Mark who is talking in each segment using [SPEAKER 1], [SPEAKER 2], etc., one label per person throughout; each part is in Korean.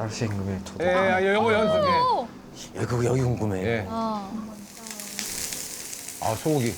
[SPEAKER 1] 다시 궁금해. 저도.
[SPEAKER 2] 예, 영어 연습해.
[SPEAKER 1] 여기 궁금해.
[SPEAKER 2] 예. 아, 소고기.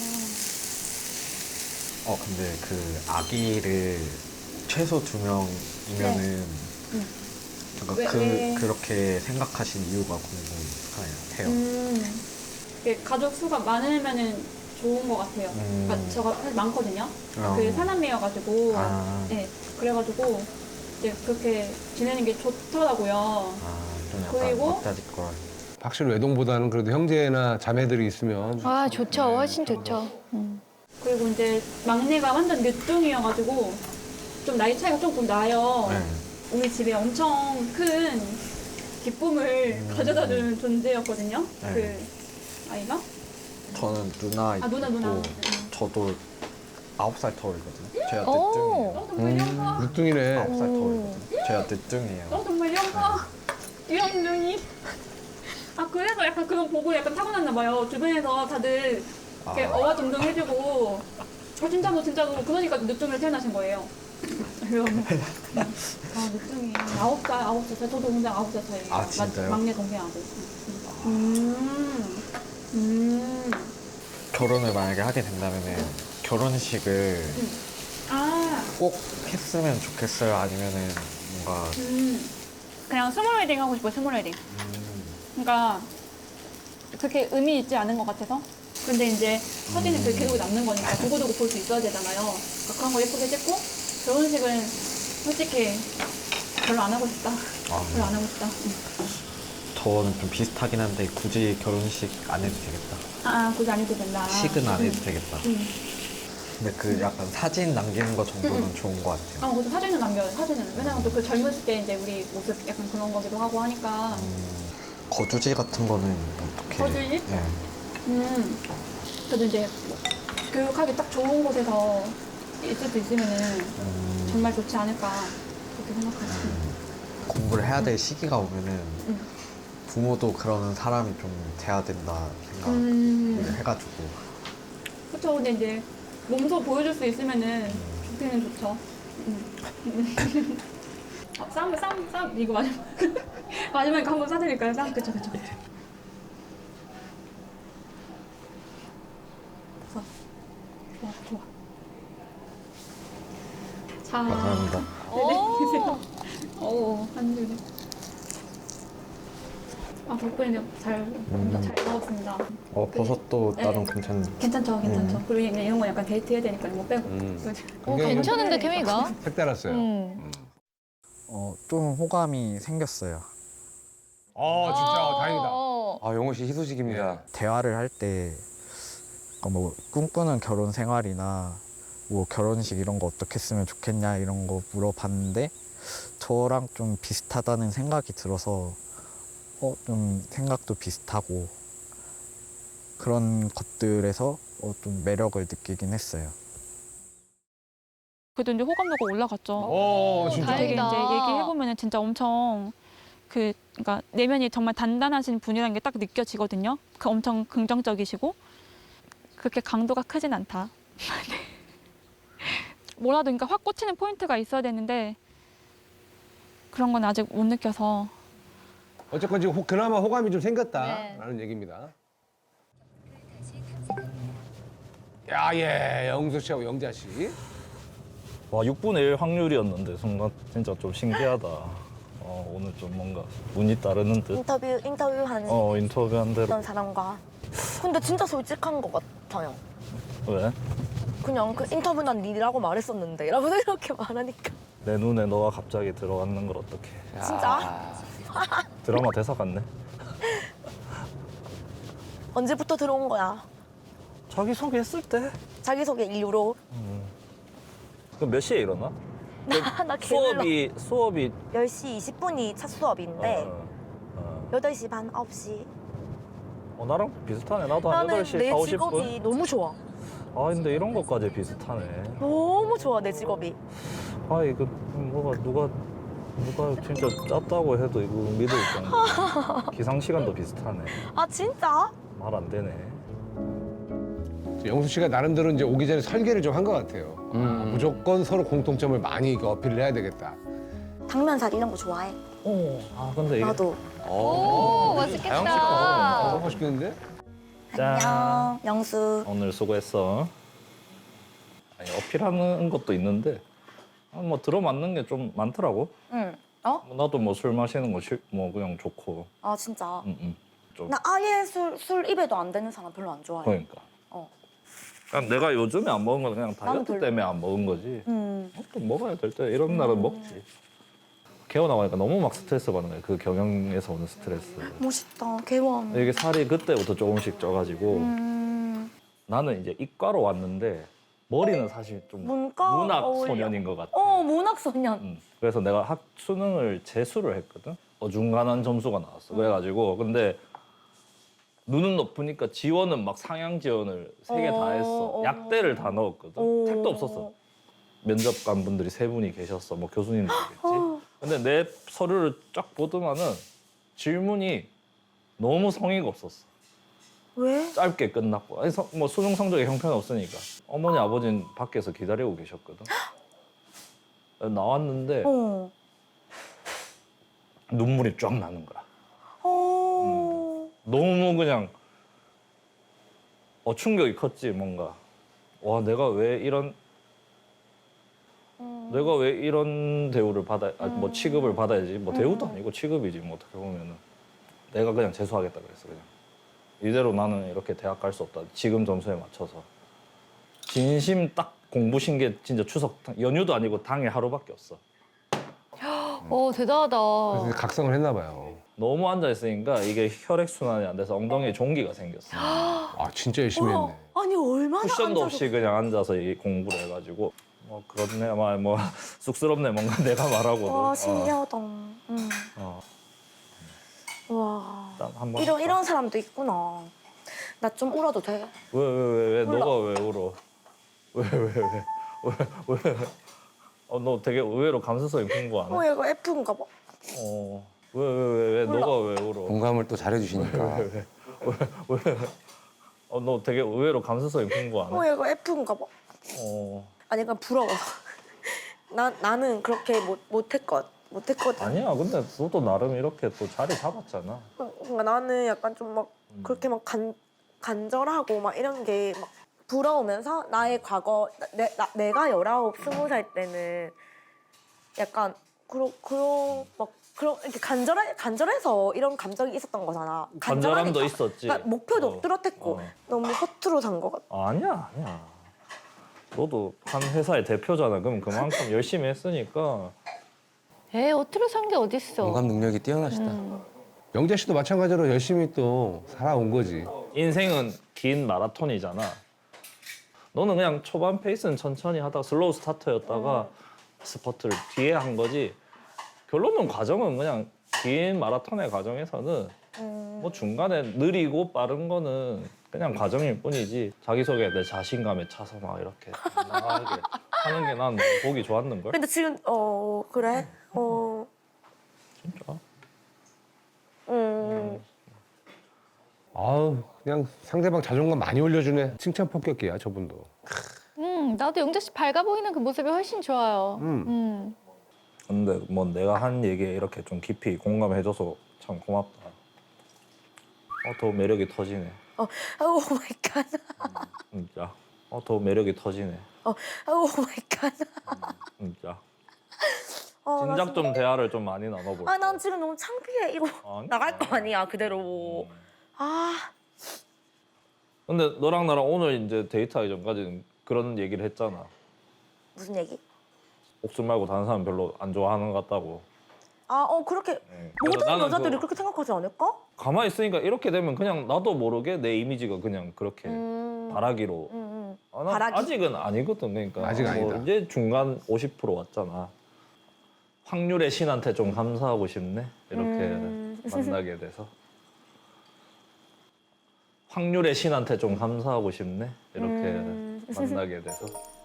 [SPEAKER 1] 근데 그 아기를 최소 2명이면은 그러니까 그렇게 생각하신 이유가 궁금해요.
[SPEAKER 3] 이게 가족 수가 많으면은 좋은 것 같아요. 그러니까 저가 사실 많거든요. 그 사남매여가지고, 네, 그래가지고 이제 그렇게 지내는 게 좋더라고요.
[SPEAKER 1] 좀 약간
[SPEAKER 3] 그리고
[SPEAKER 1] 막다지걸.
[SPEAKER 2] 확실히 외동보다는 그래도 형제나 자매들이 있으면
[SPEAKER 4] 아, 좋죠. 훨씬 좋죠.
[SPEAKER 3] 그리고 이제 막내가 완전 늦둥이여가지고 좀 나이 차이가 조금 나요.
[SPEAKER 1] 네.
[SPEAKER 3] 우리 집에 엄청 큰 기쁨을 가져다주는 존재였거든요.
[SPEAKER 1] 네.
[SPEAKER 3] 그 아이가.
[SPEAKER 1] 저는 누나 있고
[SPEAKER 3] 누나.
[SPEAKER 1] 저도 9살 터울이거든요. 제가
[SPEAKER 4] 오.
[SPEAKER 1] 늦둥이에요.
[SPEAKER 3] 정말요?
[SPEAKER 2] 늦둥이네.
[SPEAKER 1] 9살 터울이거든요. 제가 늦둥이에요.
[SPEAKER 3] 정말요? 귀염둥이. 그래서 약간 그거 보고 약간 타고났나 봐요. 주변에서 다들 이렇게 어와둥둥 해주고 진짜로 그러니까 늦둥이를 태어나신 거예요. 그래서 늦둥이 9살. 저도 동생 9살 차이.
[SPEAKER 1] 진짜요?
[SPEAKER 3] 막내 동생하고.
[SPEAKER 1] 결혼을 만약에 하게 된다면은 결혼식을 꼭 했으면 좋겠어요? 아니면은 뭔가
[SPEAKER 3] 그냥 스몰 웨딩 하고 싶어요. 스몰 웨딩. 그러니까 그렇게 의미 있지 않은 것 같아서. 근데 이제 사진은 그 기록이 남는 거니까 두고두고 볼 수 있어야 되잖아요. 그러니까 그런 거 예쁘게 찍고 결혼식은 솔직히 별로 안 하고 싶다. 별로 안 하고 싶다.
[SPEAKER 1] 저는 좀 비슷하긴 한데 굳이 결혼식 안 해도 되겠다.
[SPEAKER 3] 굳이 안 해도 된다.
[SPEAKER 1] 식은 안 해도 되겠다. 근데 그 약간 사진 남기는 거 정도는 좋은 것 같아요.
[SPEAKER 3] 그래서 사진은 남겨요. 사진은. 왜냐면 또 그 젊었을 때 이제 우리 모습 약간 그런 거기도 하고 하니까.
[SPEAKER 1] 거주지 같은 거는 어떻게?
[SPEAKER 3] 거주지?
[SPEAKER 1] 네.
[SPEAKER 3] 그래도 이제 교육하기 딱 좋은 곳에서 있을 수 있으면은 정말 좋지 않을까 그렇게 생각하지.
[SPEAKER 1] 공부를 해야 될 시기가 오면은 부모도 그러는 사람이 좀 돼야 된다 생각을 해가지고.
[SPEAKER 3] 그렇죠. 근데 이제 몸소 보여줄 수 있으면은 좋기는 좋죠. 쌈 이거 마지막에 한번 싸드릴까요? 쌈 그쵸. 좋아. 자,
[SPEAKER 1] 감사합니다.
[SPEAKER 3] 네네, 드세요. 한 줄에. 덕분에 잘 먹었습니다.
[SPEAKER 1] 버섯도
[SPEAKER 3] 네.
[SPEAKER 1] 나름 괜찮네.
[SPEAKER 3] 괜찮죠. 그리고 이런 거 약간 데이트 해야 되니까 못 빼고.
[SPEAKER 4] 괜찮은데, 케미가?
[SPEAKER 2] 색달았어요.
[SPEAKER 1] 좀 호감이 생겼어요.
[SPEAKER 2] 진짜 다행이다.
[SPEAKER 5] 영호 씨 희소식입니다.
[SPEAKER 1] 대화를 할 때 뭐 꿈꾸는 결혼 생활이나 뭐 결혼식 이런 거 어떻게 했으면 좋겠냐 이런 거 물어봤는데 저랑 좀 비슷하다는 생각이 들어서 좀 생각도 비슷하고 그런 것들에서 좀 매력을 느끼긴 했어요.
[SPEAKER 6] 그래도 이제 호감도가 올라갔죠.
[SPEAKER 2] 진짜.
[SPEAKER 6] 되게
[SPEAKER 4] 다행이다.
[SPEAKER 6] 이제 얘기해보면은 진짜 엄청 그러니까 내면이 정말 단단하신 분이라는 게 딱 느껴지거든요. 엄청 긍정적이시고 그렇게 강도가 크진 않다. 뭐라도 그러니까 확 꽂히는 포인트가 있어야 되는데 그런 건 아직 못 느껴서.
[SPEAKER 2] 어쨌건 지금 그나마 호감이 좀 생겼다라는 얘기입니다. 영수 씨하고 영자 씨.
[SPEAKER 7] 와, 6분의 1 확률이었는데 순간 진짜 좀 신기하다. 오늘 좀 뭔가 운이 따르는 듯.
[SPEAKER 8] 인터뷰하는
[SPEAKER 7] 인터뷰한 대로.
[SPEAKER 8] 어떤 사람과. 근데 진짜 솔직한 것 같아요.
[SPEAKER 7] 왜?
[SPEAKER 8] 그냥 그 인터뷰 난 니라고 말했었는데 라고 이렇게 말하니까.
[SPEAKER 7] 내 눈에 너가 갑자기 들어왔는 걸 어떡해.
[SPEAKER 8] 진짜?
[SPEAKER 7] 드라마 대사 같네.
[SPEAKER 8] 언제부터 들어온 거야?
[SPEAKER 7] 자기소개 했을 때?
[SPEAKER 8] 자기소개 이후로.
[SPEAKER 7] 그럼 몇 시에 일어나?
[SPEAKER 8] 나 게을러.
[SPEAKER 7] 수업이
[SPEAKER 8] 10시 20분이 첫 수업인데
[SPEAKER 7] 어.
[SPEAKER 8] 8시 반, 9시.
[SPEAKER 7] 나랑 비슷하네. 나도 한
[SPEAKER 8] 나는
[SPEAKER 7] 8시,
[SPEAKER 8] 내
[SPEAKER 7] 4, 50분.
[SPEAKER 8] 직업이 너무 좋아.
[SPEAKER 7] 근데 이런 것까지 비슷하네.
[SPEAKER 8] 너무 좋아, 내 직업이.
[SPEAKER 7] 이거 뭐가 누가 진짜 짰다고 해도 이거 믿을 정도. 기상 시간도 비슷하네.
[SPEAKER 8] 진짜?
[SPEAKER 7] 말 안 되네.
[SPEAKER 2] 영수 씨가 나름대로 이제 오기 전에 설계를 좀 한 것 같아요. 무조건 서로 공통점을 많이 어필을 해야 되겠다.
[SPEAKER 8] 당면살 이런 거 좋아해?
[SPEAKER 7] 아 근데 이게
[SPEAKER 8] 나도.
[SPEAKER 4] 오, 맛있겠다.
[SPEAKER 2] 너무 맛있겠는데?
[SPEAKER 7] 짠.
[SPEAKER 8] 안녕, 영수.
[SPEAKER 7] 오늘 수고했어. 아니, 어필하는 것도 있는데 뭐 들어맞는 게 좀 많더라고.
[SPEAKER 8] 응. 어?
[SPEAKER 7] 나도 뭐 술 마시는 거 뭐 그냥 좋고.
[SPEAKER 8] 아 진짜.
[SPEAKER 7] 좀
[SPEAKER 8] 나 아예 술 입에도 안 되는 사람 별로 안 좋아해.
[SPEAKER 7] 그러니까.
[SPEAKER 8] 어.
[SPEAKER 7] 그냥 내가 요즘에 안 먹은 건 그냥
[SPEAKER 8] 나는
[SPEAKER 7] 다이어트
[SPEAKER 8] 별로.
[SPEAKER 7] 때문에 안 먹은 거지. 또 먹어야 될 때 이런 날은 먹지. 개워나가니까 너무 막 스트레스 받는 거야. 그 경영에서 오는 스트레스.
[SPEAKER 8] 멋있다. 개원.
[SPEAKER 7] 이게 살이 그때부터 조금씩 쪄가지고 나는 이제 이과로 왔는데 머리는 사실 좀
[SPEAKER 8] 문과
[SPEAKER 7] 문학
[SPEAKER 8] 어울려.
[SPEAKER 7] 소년인 것 같아.
[SPEAKER 8] 문학 소년.
[SPEAKER 7] 그래서 내가 수능을 재수를 했거든. 어중간한 점수가 나왔어. 그래가지고 근데 눈은 높으니까 지원은 막 상향 지원을 3개 다 했어. 약대를 다 넣었거든. 택도 없었어. 면접관 분들이 3분이 계셨어. 뭐 교수님들이겠지. 근데 내 서류를 쫙 보더만은 질문이 너무 성의가 없었어.
[SPEAKER 8] 왜?
[SPEAKER 7] 짧게 끝났고. 아니, 뭐 수능 성적에 형편없으니까. 어머니 아버지는 밖에서 기다리고 계셨거든. 나왔는데
[SPEAKER 8] 어.
[SPEAKER 7] 눈물이 쫙 나는 거야.
[SPEAKER 8] 어.
[SPEAKER 7] 너무 그냥 충격이 컸지 뭔가. 와 내가 왜 이런 대우를 뭐 취급을 받아야지. 뭐 대우도 아니고 취급이지 뭐 어떻게 보면은. 내가 그냥 재수하겠다 그랬어 그냥. 이대로 나는 이렇게 대학 갈 수 없다. 지금 점수에 맞춰서. 진심 딱 공부신 게 진짜 추석 연휴도 아니고 당일 하루밖에 없어.
[SPEAKER 4] 오, 대단하다.
[SPEAKER 2] 그래서 각성을 했나 봐요.
[SPEAKER 7] 너무 앉아 있으니까 이게 혈액 순환이 안 돼서 엉덩이에 종기가 생겼어.
[SPEAKER 2] 아 진짜 열심히 했네.
[SPEAKER 8] 아니 얼마나
[SPEAKER 7] 쿠션도
[SPEAKER 8] 앉아서-
[SPEAKER 7] 없이 그냥 앉아서 이 공부를 해가지고 그렇네 뭐 쑥스럽네 뭔가 내가 말하고도.
[SPEAKER 8] 와 신기하다. 와
[SPEAKER 7] 일단 한번
[SPEAKER 8] 이런 사람도 있구나. 나 좀 울어도 돼?
[SPEAKER 7] 왜
[SPEAKER 8] 몰라.
[SPEAKER 7] 너가 왜 울어? 왜? 너 되게 의외로 감수성이 공부 안 해?
[SPEAKER 8] 얘가 F인가 봐.
[SPEAKER 7] 왜
[SPEAKER 8] 몰라.
[SPEAKER 7] 너가 왜 울어?
[SPEAKER 5] 공감을 또 잘해주시니까.
[SPEAKER 7] 너 되게 의외로 감수성이 공부 안 해?
[SPEAKER 8] 얘가 F인가 봐. 아니 그냥 부러워. 나는 그렇게 못했거든.
[SPEAKER 7] 아니야 근데 너도 나름 이렇게 또 자리 잡았잖아.
[SPEAKER 8] 그러니까 나는 약간 좀 막 그렇게 막 간절하고 막 이런 게 막 부러우면서 나의 과거 내가 19, 20살 때는 약간 그런 이렇게 간절해서 이런 감정이 있었던 거잖아.
[SPEAKER 7] 간절함도
[SPEAKER 8] 간절하니까.
[SPEAKER 7] 있었지.
[SPEAKER 8] 그러니까 목표도 뚜렷했고 너무 허투루 산 거 같아.
[SPEAKER 7] 아니야. 너도 한 회사의 대표잖아. 그럼 그만큼 열심히 했으니까.
[SPEAKER 4] 어트로 산 게 어딨어.
[SPEAKER 5] 공감 능력이 뛰어나시다.
[SPEAKER 2] 영재 씨도 마찬가지로 열심히 또 살아온 거지.
[SPEAKER 7] 인생은 긴 마라톤이잖아. 너는 그냥 초반 페이스는 천천히 하다가 슬로우 스타터였다가 스퍼트를 뒤에 한 거지. 결론은 과정은 그냥 긴 마라톤의 과정에서는 뭐 중간에 느리고 빠른 거는 그냥 과정일 뿐이지. 자기소개 내 자신감에 차서 막 이렇게 나가게 하는 게 난 보기 좋았는걸?
[SPEAKER 8] 근데 지금 그래?
[SPEAKER 7] 진짜?
[SPEAKER 2] 아우 그냥 상대방 자존감 많이 올려주네. 칭찬 폭격기야 저분도.
[SPEAKER 4] 나도 영재 씨 밝아 보이는 그 모습이 훨씬 좋아요.
[SPEAKER 7] 근데 뭐 내가 한 얘기에 이렇게 좀 깊이 공감해줘서 참 고맙다. 더 매력이 터지네.
[SPEAKER 8] 오 마이 갓.
[SPEAKER 7] 진짜. 더 매력이 터지네.
[SPEAKER 8] 오 마이 갓.
[SPEAKER 7] 진짜.
[SPEAKER 8] 나
[SPEAKER 7] 진작 좀 대화를 좀 많이 나눠볼까.
[SPEAKER 8] 난 지금 너무 창피해. 이거
[SPEAKER 7] 아니.
[SPEAKER 8] 나갈 거 아니야 그대로.
[SPEAKER 7] 근데 너랑 나랑 오늘 이제 데이트하기 전까지는 그런 얘기를 했잖아.
[SPEAKER 8] 무슨 얘기?
[SPEAKER 7] 옥순 말고 다른 사람 별로 안 좋아하는 것 같다고.
[SPEAKER 8] 그렇게
[SPEAKER 7] 그래서
[SPEAKER 8] 모든
[SPEAKER 7] 나는
[SPEAKER 8] 여자들이
[SPEAKER 7] 그
[SPEAKER 8] 그렇게 생각하지 않을까?
[SPEAKER 7] 가만히 있으니까 이렇게 되면 그냥 나도 모르게 내 이미지가 그냥 그렇게 바라기로. 난
[SPEAKER 8] 바라기?
[SPEAKER 7] 아직은 아니거든. 그러니까
[SPEAKER 2] 아직
[SPEAKER 7] 뭐
[SPEAKER 2] 아니다.
[SPEAKER 7] 이제 중간 50% 왔잖아. 확률의 신한테 좀 감사하고 싶네. 이렇게 만나게 돼서. 확률의 신한테 좀 감사하고 싶네. 이렇게 만나게 돼서.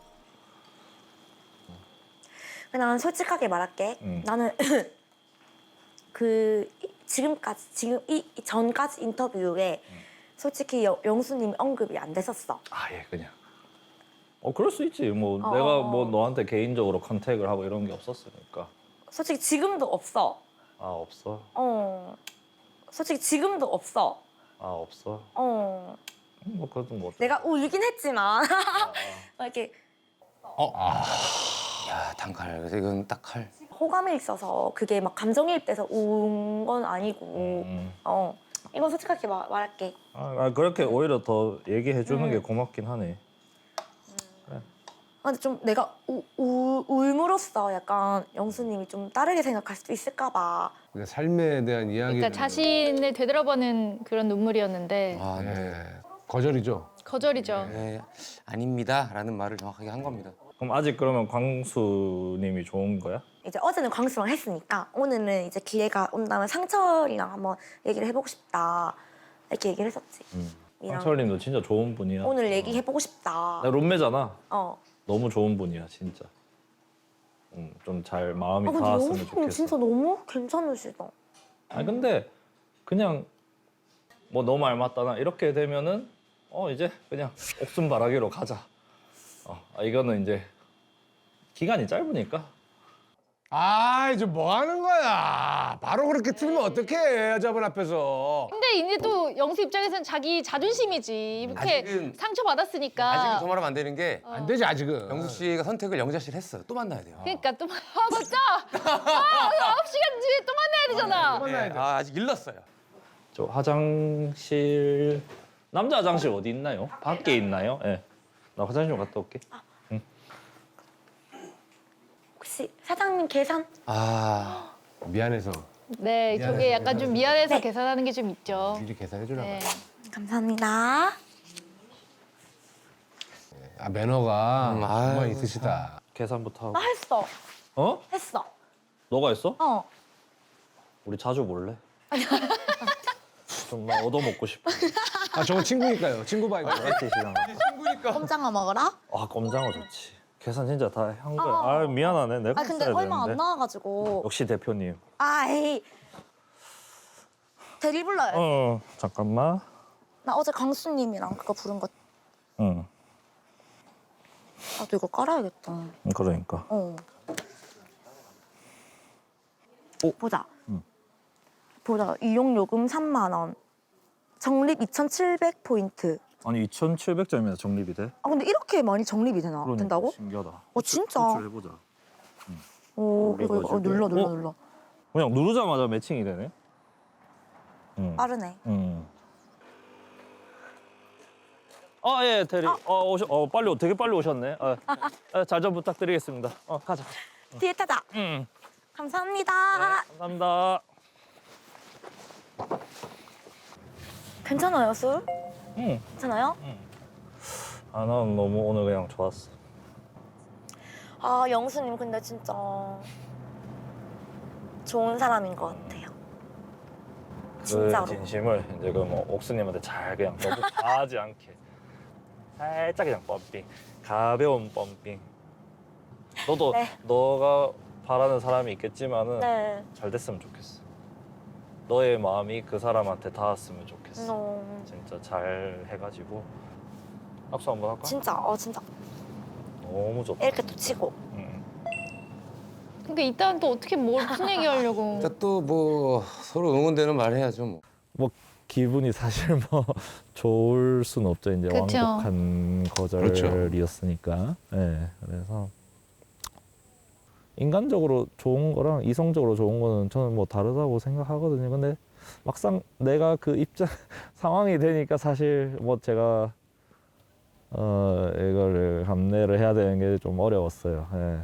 [SPEAKER 8] 난 솔직하게 말할게. 나는 지금 이 전까지 인터뷰에 솔직히 영수님 언급이 안 됐었어.
[SPEAKER 7] 아예 그냥. 그럴 수 있지. 뭐 내가 뭐 너한테 개인적으로 컨택을 하고 이런 게 없었으니까.
[SPEAKER 8] 솔직히 지금도 없어.
[SPEAKER 7] 아 없어.
[SPEAKER 8] 솔직히 지금도 없어.
[SPEAKER 7] 아 없어. 뭐 그래도 뭐.
[SPEAKER 8] 내가 울긴 했지만 막 이렇게
[SPEAKER 5] 야 단칼. 그래서 이건 딱 칼.
[SPEAKER 8] 호감이 있어서 그게 막 감정이입돼서 운 건 아니고 이건 솔직하게 말할게.
[SPEAKER 7] 그렇게 오히려 더 얘기해 주는 게 고맙긴 하네.
[SPEAKER 8] 근데 좀 내가 울므로써 약간 영수님이 좀 다르게 생각할 수도 있을까 봐.
[SPEAKER 2] 그러니까 삶에 대한 이야기를.
[SPEAKER 4] 그러니까 자신을 되돌아보는 그런 눈물이었는데
[SPEAKER 5] 아 네.
[SPEAKER 2] 네. 거절이죠.
[SPEAKER 4] 거절이죠.
[SPEAKER 5] 네, 아닙니다라는 말을 정확하게 한 겁니다.
[SPEAKER 7] 그럼 아직 그러면 광수님이 좋은 거야?
[SPEAKER 8] 이제 어제는 광수랑 했으니까 오늘은 이제 기회가 온다면 상철이랑 한번 얘기를 해보고 싶다 이렇게 얘기를 했었지. 이랑
[SPEAKER 7] 상철님도 진짜 좋은 분이야.
[SPEAKER 8] 오늘 얘기해보고 싶다.
[SPEAKER 7] 나 룸메잖아.
[SPEAKER 8] 어.
[SPEAKER 7] 너무 좋은 분이야 진짜. 좀 잘 마음이
[SPEAKER 8] 근데
[SPEAKER 7] 닿았으면
[SPEAKER 8] 영수님
[SPEAKER 7] 좋겠어.
[SPEAKER 8] 진짜 너무 괜찮으시다.
[SPEAKER 7] 아니 근데 그냥 뭐 너무 알맞다나 이렇게 되면은 이제 그냥 옥순바라기로 가자. 이거는 이제 기간이 짧으니까.
[SPEAKER 2] 아, 이제 뭐 하는 거야? 바로 그렇게 틀면 어떡해, 여자분 앞에서.
[SPEAKER 4] 근데 이제 또 영수 입장에서는 자기 자존심이지. 이렇게
[SPEAKER 5] 아직은-
[SPEAKER 4] 상처 받았으니까.
[SPEAKER 5] 아직은 저 말하면 안 되는 게
[SPEAKER 2] 안 되지, 아직은.
[SPEAKER 5] 영수 씨가 선택을 영자 씨를 했어요. 또 만나야 돼요.
[SPEAKER 4] 그러니까 또 맞다. 9시간 뒤에 또 만나야 되잖아.
[SPEAKER 5] 네, 아직 일렀어요.
[SPEAKER 7] 저 화장실 남자 화장실 어디 있나요? 밖에 있나요? 예. 나 화장실 좀 갔다 올게.
[SPEAKER 8] 혹시 사장님 계산?
[SPEAKER 5] 아
[SPEAKER 2] 미안해서
[SPEAKER 4] 네, 저게 약간 좀 미안해서 계산하는 게 좀 있죠.
[SPEAKER 2] 미리 계산해 주라고.
[SPEAKER 4] 네.
[SPEAKER 8] 감사합니다.
[SPEAKER 2] 아, 매너가 정말
[SPEAKER 5] 아유,
[SPEAKER 2] 있으시다.
[SPEAKER 7] 계산부터 하고.
[SPEAKER 8] 나 했어.
[SPEAKER 7] 어?
[SPEAKER 8] 했어.
[SPEAKER 7] 너가 했어?
[SPEAKER 8] 어.
[SPEAKER 7] 우리 자주 볼래? 좀 나 얻어먹고 싶어.
[SPEAKER 2] 아, 저거 친구니까요. 친구 바이브.
[SPEAKER 7] 같이 시간.
[SPEAKER 8] 꼼장어 먹어라.
[SPEAKER 7] 꼼장어 좋지. 계산 진짜 다 한 거야.
[SPEAKER 8] 어.
[SPEAKER 7] 미안하네. 내가
[SPEAKER 8] 아 근데
[SPEAKER 7] 했어야
[SPEAKER 8] 얼마 안
[SPEAKER 7] 되는데.
[SPEAKER 8] 나와가지고.
[SPEAKER 7] 역시 대표님.
[SPEAKER 8] 아이. 대리 불러요.
[SPEAKER 7] 잠깐만.
[SPEAKER 8] 나 어제 강수님이랑 그거 부른 거.
[SPEAKER 7] 응.
[SPEAKER 8] 나도 이거 깔아야겠다.
[SPEAKER 7] 그러니까.
[SPEAKER 8] 보자.
[SPEAKER 7] 응.
[SPEAKER 8] 보자. 이용요금 3만 원. 적립 2,700포인트.
[SPEAKER 7] 아니 2,700점이나 적립이 돼?
[SPEAKER 8] 아 근데 이렇게 많이 적립이
[SPEAKER 7] 그러니까
[SPEAKER 8] 된다고?
[SPEAKER 7] 신기하다.
[SPEAKER 8] 진짜?
[SPEAKER 7] 해보자.
[SPEAKER 8] 오 이거
[SPEAKER 7] 올려가지고.
[SPEAKER 8] 눌러.
[SPEAKER 7] 그냥 누르자마자 매칭이 되네. 응.
[SPEAKER 8] 빠르네.
[SPEAKER 7] 응. 예, 대리. 빨리 되게 빨리 오셨네. 잘 좀 부탁드리겠습니다. 가자.
[SPEAKER 8] 뒤에 타자.
[SPEAKER 7] 응.
[SPEAKER 8] 감사합니다.
[SPEAKER 7] 감사합니다.
[SPEAKER 8] 괜찮아요 술?
[SPEAKER 7] 응.
[SPEAKER 8] 괜찮아요?
[SPEAKER 7] 난 너무 오늘 그냥 좋았어.
[SPEAKER 8] 아 영수님 근데 진짜 좋은 사람인 것 같아요. 진짜로.
[SPEAKER 7] 그 진심을 이제 뭐 옥수님한테 잘 그냥 너무 과하지 않게 살짝 그냥 펌핑, 가벼운 펌핑. 너도
[SPEAKER 8] 네.
[SPEAKER 7] 너가 바라는 사람이 있겠지만은
[SPEAKER 8] 네.
[SPEAKER 7] 잘 됐으면 좋겠어. 너의 마음이 그 사람한테 닿았으면 좋겠어. 진짜 잘 해가지고 악수 한번 할까?
[SPEAKER 8] 진짜
[SPEAKER 7] 너무 좋다.
[SPEAKER 8] 이렇게 또 치고.
[SPEAKER 7] 응.
[SPEAKER 4] 그러니까 이따는 또 어떻게 무슨 얘기 하려고.
[SPEAKER 5] 일단 또 뭐 서로 응원되는 말 해야죠 뭐.
[SPEAKER 7] 기분이 사실 뭐 좋을 순 없죠. 이제
[SPEAKER 4] 그쵸.
[SPEAKER 7] 완곡한 거절이었으니까. 네, 그래서 인간적으로 좋은 거랑 이성적으로 좋은 거는 저는 뭐 다르다고 생각하거든요. 근데 막상 내가 그 입장 상황이 되니까 사실 뭐 제가 이거를 감내를 해야 되는 게 좀 어려웠어요. 예.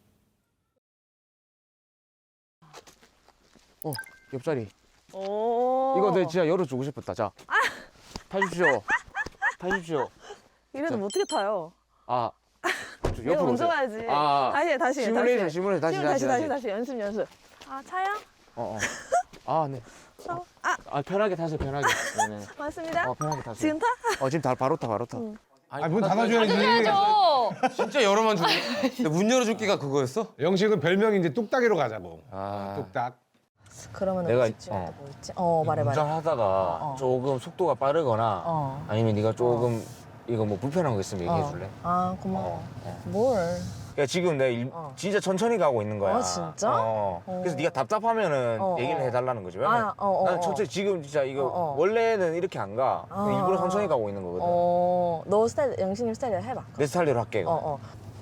[SPEAKER 9] 옆자리.
[SPEAKER 8] 오.
[SPEAKER 9] 이거 내 진짜 열어주고 싶었다. 자, 타십시오. 타십시오.
[SPEAKER 8] 이래도 어떻게 타요?
[SPEAKER 9] 아, 저 옆으로 오세요.
[SPEAKER 8] 가야지.
[SPEAKER 9] 아,
[SPEAKER 8] 다시.
[SPEAKER 9] 시뮬레이션 다시.
[SPEAKER 8] 연습. 아 차요?
[SPEAKER 9] 아, 네. 편하게 타세요, 편하게. 네네.
[SPEAKER 8] 맞습니다.
[SPEAKER 9] 편하게 타세요.
[SPEAKER 8] 지금 타?
[SPEAKER 9] 지금 바로 타.
[SPEAKER 2] 문 닫아줘야지.
[SPEAKER 4] 해야죠.
[SPEAKER 5] 진짜 열어만 주네. 근데 문 열어줄기가 그거였어?
[SPEAKER 2] 영식은 별명이 이제 뚝딱이로 가자고.
[SPEAKER 5] 아.
[SPEAKER 2] 뚝딱.
[SPEAKER 10] 그러면
[SPEAKER 9] 내가
[SPEAKER 10] 말해.
[SPEAKER 9] 운전하다가 조금 속도가 빠르거나 아니면 네가 조금 이거 뭐 불편한 거 있으면 얘기해 줄래?
[SPEAKER 10] 아 고마워. 뭘?
[SPEAKER 9] 야 지금 내 진짜 천천히 가고 있는 거야.
[SPEAKER 10] 진짜?
[SPEAKER 9] 그래서 네가 답답하면은 얘기를 해달라는 거지. 왜냐면 나는 천천히 지금 진짜 이거 원래는 이렇게 안 가. 일부러 천천히 가고 있는 거거든.
[SPEAKER 10] 너 스타일, 영신님 스타일대로 해봐.
[SPEAKER 9] 내 스타일대로 할게. 이거.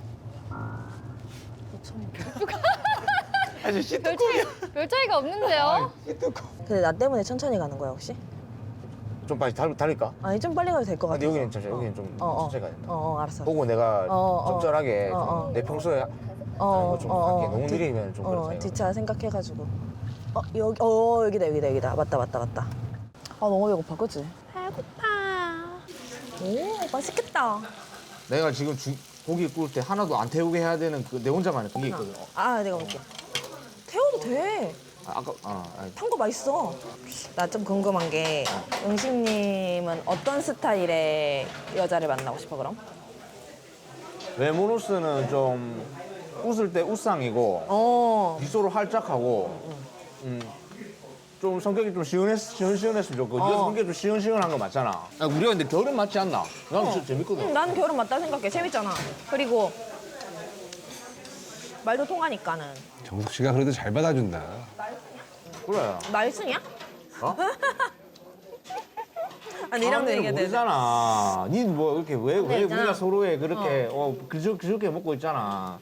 [SPEAKER 4] 별 차이가 없는데요?
[SPEAKER 10] 근데 나 때문에 천천히 가는 거야 혹시?
[SPEAKER 9] 좀 빨리 달릴까?
[SPEAKER 10] 아니 좀 빨리 가도 될 것 같아.
[SPEAKER 9] 근데 여기는 천천히, 여기는 좀 천천히 가야 된다.
[SPEAKER 10] 알았어.
[SPEAKER 9] 보고 내가 적절하게
[SPEAKER 10] 어,
[SPEAKER 9] 좀 내 평소에 하는 거좀 할게. 너무 느리면 좀 그렇잖아.
[SPEAKER 10] 뒷차 생각해가지고. 여기, 여기다. 맞다. 아 너무 배고파, 그치? 배고파. 오, 맛있겠다.
[SPEAKER 9] 내가 지금 고기 구울 때 하나도 안 태우게 해야 되는 그 내 혼자만의 그게 있거든.
[SPEAKER 10] 내가 먹게. 태워도 돼.
[SPEAKER 9] 아니.
[SPEAKER 10] 탄 거 맛있어. 나 좀 궁금한 게 영식님은 어떤 스타일의 여자를 만나고 싶어 그럼?
[SPEAKER 9] 외모로서는 좀 웃을 때 웃상이고 미소로 활짝하고 좀 성격이 좀 시원시원했으면 좋고 네가 성격이 좀 시원시원한 거 맞잖아. 우리가 근데 결혼 맞지 않나? 나는 진짜 재밌거든.
[SPEAKER 10] 나는 결혼 맞다 생각해. 재밌잖아. 그리고 말도 통하니까는.
[SPEAKER 2] 정숙 씨가 그래도 잘 받아준다.
[SPEAKER 9] 그래.
[SPEAKER 10] 말순이야?
[SPEAKER 9] 어?
[SPEAKER 10] 니랑도 얘기해야 돼.
[SPEAKER 9] 모르잖아. 니 뭐 이렇게 왜
[SPEAKER 10] 있잖아.
[SPEAKER 9] 우리가 서로의 그렇게 그저렇게 먹고 있잖아.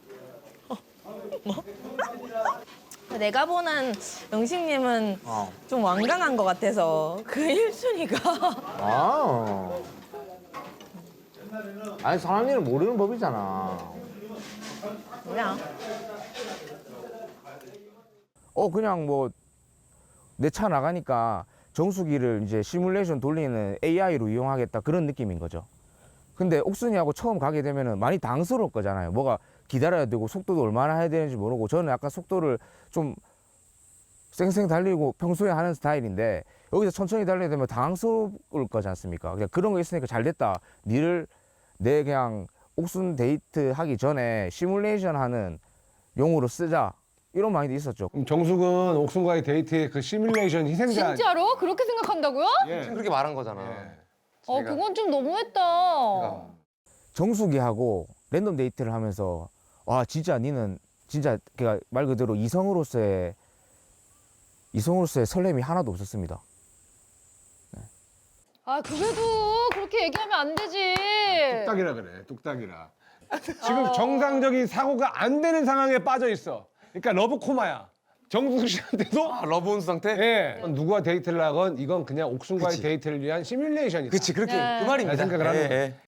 [SPEAKER 10] 내가 보는 영식님은 좀 완강한 것 같아서 그 1순위가
[SPEAKER 9] 아니 사람 일을 모르는 법이잖아.
[SPEAKER 10] 뭐야?
[SPEAKER 9] 그냥 뭐 내 차 나가니까 정수기를 이제 시뮬레이션 돌리는 AI로 이용하겠다 그런 느낌인 거죠. 근데 옥순이하고 처음 가게 되면은 많이 당스러울 거잖아요. 뭐가 기다려야 되고 속도도 얼마나 해야 되는지 모르고 저는 약간 속도를 좀 쌩쌩 달리고 평소에 하는 스타일인데 여기서 천천히 달려야 되면 당황스러울 거지 않습니까? 그냥 그런 거 있으니까 잘 됐다. 니를 내 그냥 옥순 데이트 하기 전에 시뮬레이션 하는 용으로 쓰자. 이런 마인드 있었죠.
[SPEAKER 2] 그럼 정숙은 옥순과의 데이트의 그 시뮬레이션 희생자.
[SPEAKER 4] 진짜로? 그렇게 생각한다고요?
[SPEAKER 2] 예.
[SPEAKER 5] 그렇게 말한 거잖아.
[SPEAKER 4] 그건 좀 너무했다.
[SPEAKER 9] 정숙이하고 랜덤 데이트를 하면서 와 진짜 니는 진짜 그러니까 말 그대로 이성으로서의 설렘이 하나도 없었습니다.
[SPEAKER 4] 그래도 그렇게 얘기하면 안 되지.
[SPEAKER 2] 뚝딱이라 그래, 뚝딱이라. 지금 정상적인 사고가 안 되는 상황에 빠져 있어. 그러니까 러브 코마야. 정숙 씨한테도
[SPEAKER 5] 러브 온 상태?
[SPEAKER 2] 예. 누구와 데이트를 하건 이건 그냥 옥순과의 데이트를 위한 시뮬레이션이다.
[SPEAKER 5] 그렇지 그렇게
[SPEAKER 4] 네.
[SPEAKER 5] 그 말입니다.
[SPEAKER 2] 생각을 하는 거예요.